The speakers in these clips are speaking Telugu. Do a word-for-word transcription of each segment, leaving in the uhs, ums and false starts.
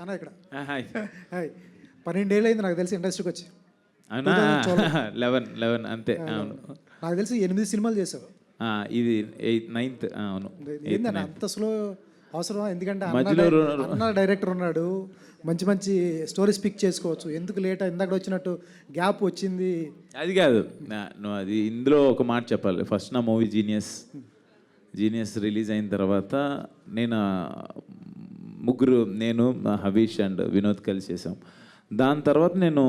అన్న ఇక్కడ హాయ్ హాయ్ పన్నెండేళ్ళు అయింది నాకు తెలిసి ఇండస్ట్రీకి వచ్చి. అవునా లెవెన్ లెవెన్ అంతే అవును. నాకు తెలిసి ఎనిమిది సినిమాలు చేసావు. ఆ, ఇది ఎయిత్ నైన్త్ అవును. ఏందన్న అంత స్లో అవసరం? ఎందుకంటే మధ్యలో అన్న అన్న డైరెక్టర్ ఉన్నాడు, మంచి మంచి స్టోరీస్ పిక్ చేసుకోవచ్చు. ఎందుకు లేట్ ఇందాక వచ్చినట్టు గ్యాప్ వచ్చింది? అది కాదు, నా- నువ్వు అది ఇందులో ఒక మాట చెప్పాలి. ఫస్ట్ నా మూవీ జీనియస్ జీనియస్ రిలీజ్ అయిన తర్వాత నేను ఆ, ముగ్గురు నేను హవీష్ అండ్ వినోద్ కలిసి చేసాం. దాని తర్వాత నేను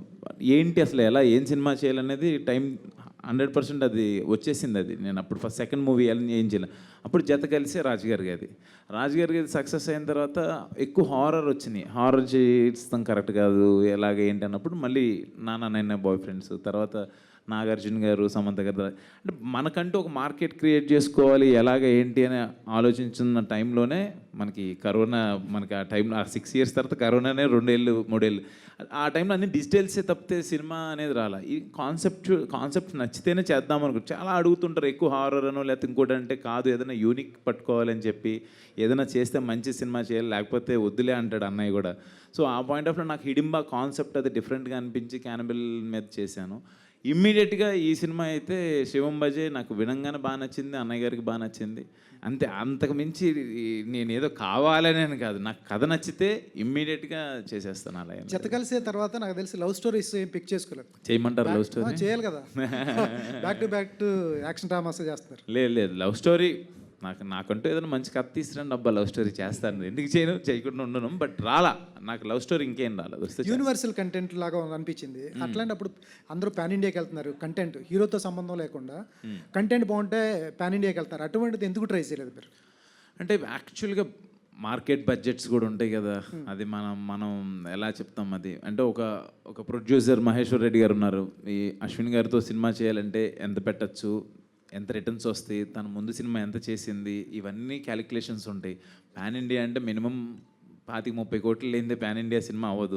ఏంటి అసలు ఎలా ఏం సినిమా చేయాలనేది టైం హండ్రెడ్ పర్సెంట్ అది వచ్చేసింది. అది నేను అప్పుడు ఫస్ట్ సెకండ్ మూవీ ఏం చేయలే. అప్పుడు జత కలిసి రాజుగారి గది రాజుగారి గది సక్సెస్ అయిన తర్వాత ఎక్కువ హారర్ వచ్చినాయి. హారర్ చేస్తాం కరెక్ట్ కాదు ఎలాగ ఏంటి అన్నప్పుడు మళ్ళీ నాన్న నైనా బాయ్ ఫ్రెండ్స్, తర్వాత నాగార్జున గారు, సమంత గారు, అంటే మనకంటూ ఒక మార్కెట్ క్రియేట్ చేసుకోవాలి ఎలాగ ఏంటి అని ఆలోచించున్న టైంలోనే మనకి కరోనా, మనకి ఆ టైంలో ఆ సిక్స్ ఇయర్స్ తర్వాత కరోనానే రెండేళ్ళు మూడేళ్ళు, ఆ టైంలో అన్ని డిజిటల్సే తప్పితే సినిమా అనేది రాలా. ఈ కాన్సెప్ట్ కాన్సెప్ట్ నచ్చితేనే చేద్దాం అనుకో. చాలా అడుగుతుంటారు ఎక్కువ హారర్ అనో లేకపోతే ఇంకోటి అంటే కాదు ఏదైనా యూనిక్ పట్టుకోవాలని చెప్పి ఏదైనా చేస్తే మంచి సినిమా చేయాలి లేకపోతే వద్దులే అంటాడు అన్నయ్య కూడా. సో ఆ పాయింట్ ఆఫ్ లో నాకు హిడింబా కాన్సెప్ట్ అది డిఫరెంట్గా అనిపించి క్యానబిల్ మీద చేశాను. ఇమ్మీడియట్గా ఈ సినిమా అయితే శివం బజే నాకు వినంగానే బాగా నచ్చింది, అన్నయ్య గారికి బాగా నచ్చింది. అంతే, అంతకు మించి నేను ఏదో కావాలని కాదు, నాకు కథ నచ్చితే ఇమ్మీడియట్గా చేసేస్తాను. అలా జత కలిసే తర్వాత నాకు తెలిసి లవ్ స్టోరీస్ ఏం పిక్ చేసుకోలేదు. చేయమంటారు లవ్ స్టోరీ? చేయాలి కదా, back to back to action dramas చేస్తారు. లేదు లేదు లవ్ స్టోరీ నాకు నాకంటూ ఏదైనా మంచి కథ తీసుకురండి అబ్బా లవ్ స్టోరీ చేస్తాను. ఎందుకు చేయను, చేయకుండా ఉండను. బట్ రాలా నాకు లవ్ స్టోరీ ఇంకేం రాలేదు. వస్తే యూనివర్సల్ కంటెంట్ లాగా అనిపించింది. అట్లాంటప్పుడు అందరూ పాన్ ఇండియాకి వెళ్తున్నారు, కంటెంట్ హీరోతో సంబంధం లేకుండా కంటెంట్ బాగుంటే పాన్ ఇండియాకి వెళ్తారు. అటువంటిది ఎందుకు ట్రై చేయలేదు మీరు? అంటే యాక్చువల్గా మార్కెట్ బడ్జెట్స్ కూడా ఉంటాయి కదా, అది మనం మనం ఎలా చెప్తాం అది. అంటే ఒక ఒక ప్రొడ్యూసర్ మహేశ్వర్ రెడ్డి గారు ఉన్నారు, ఈ అశ్విన్ గారితో సినిమా చేయాలంటే ఎంత పెట్టచ్చు, ఎంత రిటర్న్స్ వస్తాయి, తన ముందు సినిమా ఎంత చేసింది, ఇవన్నీ క్యాలిక్యులేషన్స్ ఉంటాయి. పాన్ ఇండియా అంటే మినిమం పాతిక ముప్పై కోట్లు లేనిదే పాన్ ఇండియా సినిమా అవ్వదు.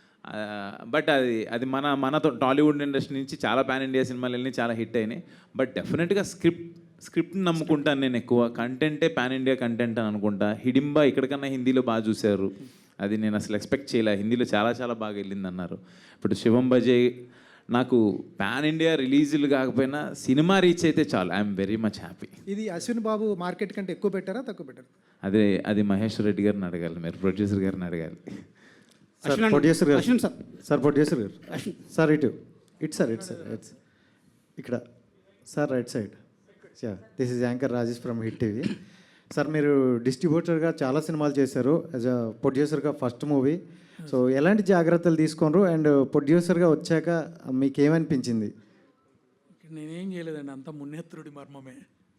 బట్ అది అది మన మన టాలీవుడ్ ఇండస్ట్రీ నుంచి చాలా పాన్ ఇండియా సినిమాలు వెళ్ళి చాలా హిట్ అయినాయి. బట్ డెఫినెట్గా స్క్రిప్ట్ స్క్రిప్ట్ని నమ్ముకుంటాను నేను ఎక్కువ. కంటెంటే పాన్ ఇండియా కంటెంట్ అని అనుకుంటా. హిడింబా ఇక్కడికన్నా హిందీలో బాగా చూశారు, అది నేను అసలు ఎక్స్పెక్ట్ చేయలే. హిందీలో చాలా చాలా బాగా వెళ్ళింది అన్నారు. ఇప్పుడు శివం బజే నాకు పాన్ ఇండియా రిలీజులు కాకపోయినా సినిమా రీచ్ అయితే చాలు, ఐఎమ్ వెరీ మచ్ హ్యాపీ. ఇది అశ్విన్ బాబు మార్కెట్ కంటే ఎక్కువ పెట్టారా తక్కువ పెట్టారా? అదే అది మహేశ్వర్ రెడ్డి గారిని అడగాలి, మీరు ప్రొడ్యూసర్ గారిని అడగాలి. సార్ ప్రొడ్యూసర్ గారు సార్ ప్రొడ్యూసర్ గారు సార్ ఇటు ఇటు సార్ ఇటు సార్ ఇట్స్ ఇక్కడ sir right side. This is anchor Rajesh from Hit TV. Sir మీరు డిస్ట్రిబ్యూటర్గా చాలా సినిమాలు చేశారు, యాజ్ అ ప్రొడ్యూసర్గా ఫస్ట్ మూవీ. సో ఎలాంటి జాగ్రత్తలు తీసుకున్నారు అండ్ ప్రొడ్యూసర్గా వచ్చాక మీకు ఏమనిపించింది? నేనేం చేయలేదండి, అంత మున్నేత్రుడి మర్మమే.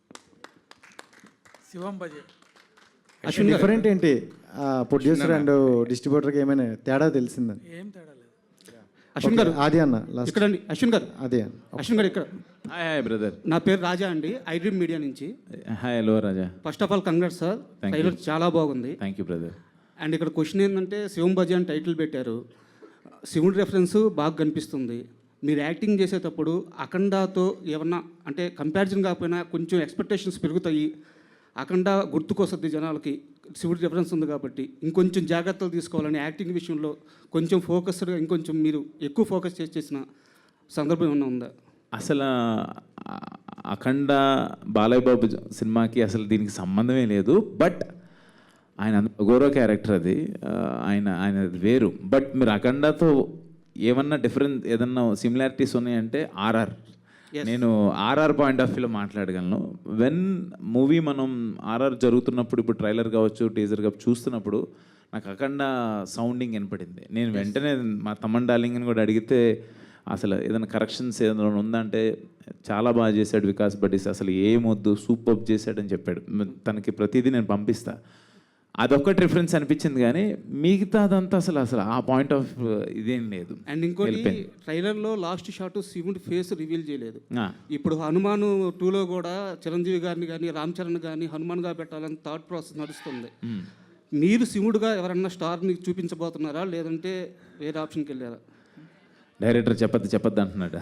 శివం బజే డిఫరెంట్ ఏంటి ప్రొడ్యూసర్ అండ్ డిస్ట్రిబ్యూటర్కి ఏమైనా తేడా తెలిసిందని? ఏం తేడా లేదు. అశ్విన్ గారు అది అన్న ఇక్కడ అండి, అశ్విన్ గారు అదే అన్న అశ్విన్ గారు ఇక్కడ. హాయ్ హాయ్ బ్రదర్, నా పేరు రాజా అండి, ఐ డ్రీమ్ మీడియా నుంచి. Hi hello Raja. First of all congrats sir, trailer చాలా బాగుంది. Thank you brother. అండ్ ఇక్కడ క్వశ్చన్ ఏంటంటే శివం బజే అని టైటిల్ పెట్టారు, శివుడి రెఫరెన్స్ బాగా కనిపిస్తుంది. మీరు యాక్టింగ్ చేసేటప్పుడు అఖండాతో ఏమన్నా అంటే కంపారిజన్ కాకపోయినా కొంచెం ఎక్స్పెక్టేషన్స్ పెరుగుతాయి. అఖండ గుర్తుకొస్తుంది జనాలకి, శివుడి రెఫరెన్స్ ఉంది కాబట్టి ఇంకొంచెం జాగ్రత్తలు తీసుకోవాలని యాక్టింగ్ విషయంలో కొంచెం ఫోకస్డ్గా ఇంకొంచెం మీరు ఎక్కువ ఫోకస్ చేసి చేసిన సందర్భం ఏమన్నా ఉందా? అసలు అఖండ బాలయ్య బాబు సినిమాకి అసలు దీనికి సంబంధమే లేదు. బట్ ఆయన గౌరవ క్యారెక్టర్ అది, ఆయన ఆయన వేరు. బట్ మీరు అఖండతో ఏమన్నా డిఫరెన్స్ ఏదన్నా సిమిలారిటీస్ ఉన్నాయంటే ఆర్ఆర్, నేను ఆర్ఆర్ పాయింట్ ఆఫ్ వ్యూలో మాట్లాడగలను. వెన్ మూవీ మనం ఆర్ఆర్ జరుగుతున్నప్పుడు, ఇప్పుడు ట్రైలర్ కావచ్చు టీజర్ కావచ్చు చూస్తున్నప్పుడు నాకు అఖండ సౌండింగ్ వినపడింది. నేను వెంటనే మా తమ్మన్ డార్లింగ్ అని కూడా అడిగితే అసలు ఏదైనా కరెక్షన్స్ ఏదైనా ఉందంటే చాలా బాగా చేశాడు వికాస్ బడ్డీస్, అసలు ఏమొద్దు సూపర్ చేశాడని చెప్పాడు. తనకి ప్రతిదీ నేను పంపిస్తా. అదొక్కటి రిఫరెన్స్ అనిపించింది కానీ మిగతా అదంతా అసలు అసలు ఆ పాయింట్ ఆఫ్ ఇదేం లేదు. అండ్ ఇంకోటి ట్రైలర్లో లాస్ట్ షాట్ శివుడి ఫేస్ రివీల్ చేయలేదు. ఇప్పుడు హనుమాన్ టూలో కూడా చిరంజీవి గారిని కానీ రామ్ చరణ్ కానీ హనుమాన్గా పెట్టాలని థాట్ ప్రాసెస్ నడుస్తుంది. మీరు శివుడుగా ఎవరన్నా స్టార్ని చూపించబోతున్నారా లేదంటే వేరే ఆప్షన్కి వెళ్ళారా? డైరెక్టర్ చెప్పద్దు చెప్పద్దు అంటున్నాడు.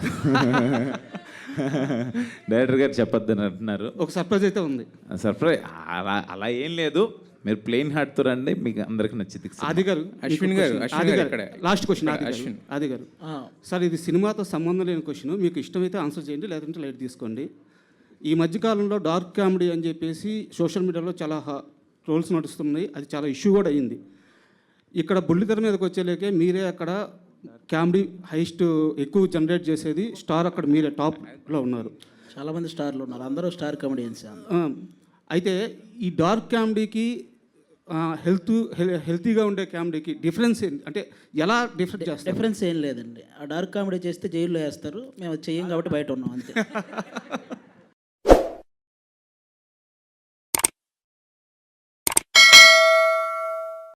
డైరెక్టర్ గారు చెప్పొద్దు అని అంటున్నారు. ఒక సర్ప్రైజ్ అయితే ఉంది. సర్ప్రైజ్ అలా అలా ఏం లేదు. మీరు ప్లెయిన్ హార్ట్తో రండి, మీకు అందరికి నచ్చింది. ఆది గారు, అశ్విన్ గారు, అశ్విన్ ఆది గారు గారు, ఇక్కడే. లాస్ట్ క్వశ్చన్ ఆది గారు, అశ్విన్. ఆది గారు. సార్ ఇది సినిమాతో సంబంధం లేని క్వశ్చన్, మీకు ఇష్టమైతే ఆన్సర్ చేయండి, లేదంటే లైట్ తీసుకోండి. ఈ మధ్యకాలంలో డార్క్ కామెడీ అని చెప్పేసి సోషల్ మీడియాలో చాలా ట్రోల్స్ నడుస్తున్నాయి, అది చాలా ఇష్యూ కూడా అయ్యింది. ఇక్కడ బుల్లితెర మీదకి వచ్చేలేకే మీరే అక్కడ కామెడీ హైస్ట్ ఎక్కువ జనరేట్ చేసేది స్టార్, అక్కడ మీరే టాప్లో ఉన్నారు. చాలామంది స్టార్లు ఉన్నారు, అందరూ స్టార్ కామెడియన్స్. ఆ, అయితే ఈ డార్క్ కామెడీకి హెల్త్ హెల్తీగా ఉండే కామెడీకి డిఫరెన్స్ ఏంటి, అంటే ఎలా డిఫరెంట్ చేస్తారు? డిఫరెన్స్ ఏం లేదండి. ఆ డార్క్ కామెడీ చేస్తే జైల్లో వేస్తారు, మేము అది చెయ్యం కాబట్టి బయట ఉన్నాం అంతే.